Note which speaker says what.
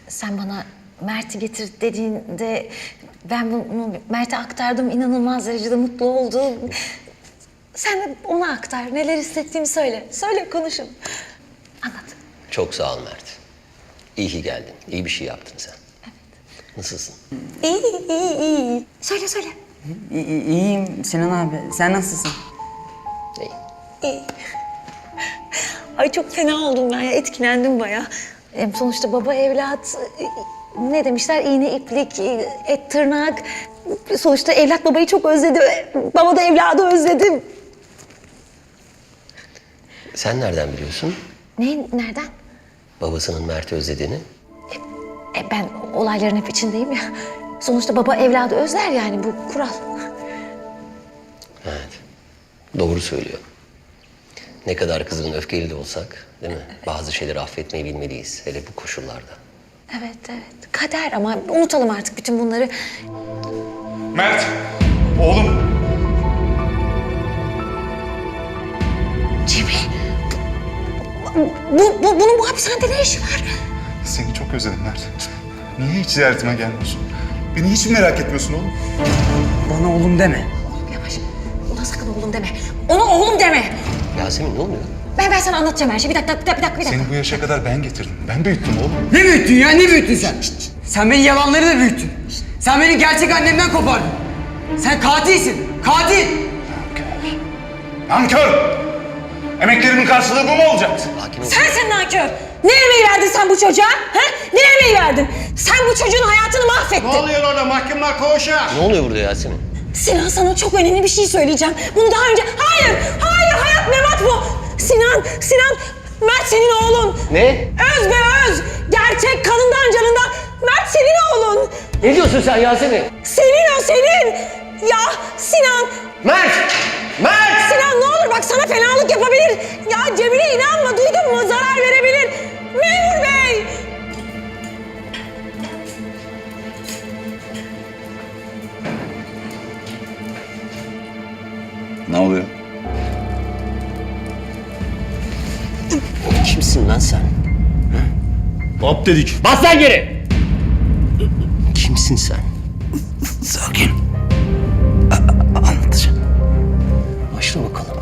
Speaker 1: sen bana Mert'i getir dediğinde ben bunu Mert'e aktardım. İnanılmaz derecede mutlu oldu. Sen de ona aktar. Neler hissettiğimi söyle. Söyle, konuşun. Anlat.
Speaker 2: Çok sağ ol Mert. İyi ki geldin. İyi bir şey yaptın sen.
Speaker 1: Evet.
Speaker 2: Nasılsın?
Speaker 1: İyi. Söyle.
Speaker 3: İyiyim Sinan abi. Sen nasılsın?
Speaker 2: İyi.
Speaker 1: İyi. Ay çok fena oldum ben ya. Etkilendim bayağı. Sonuçta baba evlat, ne demişler? İğne iplik, et tırnak. Sonuçta evlat babayı çok özledi. Baba da evladı özledi.
Speaker 2: Sen nereden biliyorsun
Speaker 1: Nereden?
Speaker 2: babasının Mert'i özlediğini?
Speaker 1: Ben olayların hep içindeyim ya. Sonuçta baba evladı özler yani, bu kural.
Speaker 2: Evet. Doğru söylüyor. Ne kadar kızgın, öfkeli de olsak, değil mi? Bazı şeyleri affetmeyi bilmeliyiz. Hele bu koşullarda.
Speaker 1: Evet. Kader, ama unutalım artık bütün bunları.
Speaker 4: Mert, oğlum.
Speaker 1: Cemil, bunun bu hapishanede ne işi var?
Speaker 4: Seni çok özledim Mert. Niye hiç ziyaretime gelmiyorsun? Beni hiç mi merak etmiyorsun oğlum?
Speaker 3: Bana oğlum deme.
Speaker 1: Yavaş, ona sakın oğlum deme. Ona oğlum deme.
Speaker 2: Yasemin ne oluyor?
Speaker 1: Ben sana anlatacağım her şeyi. Bir dakika.
Speaker 4: Seni bu yaşa kadar ben getirdim. Ben büyüttüm oğlum.
Speaker 3: Ne büyüttün ya? Ne büyüttün sen? Sen beni yalanları da büyüttün. Sen beni gerçek annemden kopardın. Sen katilsin. Katil.
Speaker 4: Nankör! Emeklerimin karşılığı bu mu olacak?
Speaker 2: Sakin ol.
Speaker 1: Sensin nankör. Ne emeği verdin sen bu çocuğa? Ha? Ne emeği verdin? Sen bu çocuğun hayatını mahvettin.
Speaker 5: Ne oluyor orada mahkumlar koğuşa?
Speaker 2: Ne oluyor burada Yasemin?
Speaker 1: Sinan, sana çok önemli bir şey söyleyeceğim. Bunu daha önce... Hayır, Hayat Memat bu. Sinan, Mert senin oğlun.
Speaker 2: Ne?
Speaker 1: Öz be öz. Gerçek kanından canından. Mert senin oğlun.
Speaker 2: Ne diyorsun sen Yasemin?
Speaker 1: Senin o, senin. Ya Sinan.
Speaker 2: Mert!
Speaker 1: Sinan ne olur bak, sana fenalık yapabilir. Ya Cemile inanma, duydun mu? Zarar verebilir. Memur bey.
Speaker 4: Ne oluyor?
Speaker 2: Kimsin lan sen?
Speaker 5: Hop dedik.
Speaker 2: Bas lan geri! Kimsin sen?
Speaker 3: Sakin. Anlatacağım.
Speaker 2: Başla bakalım.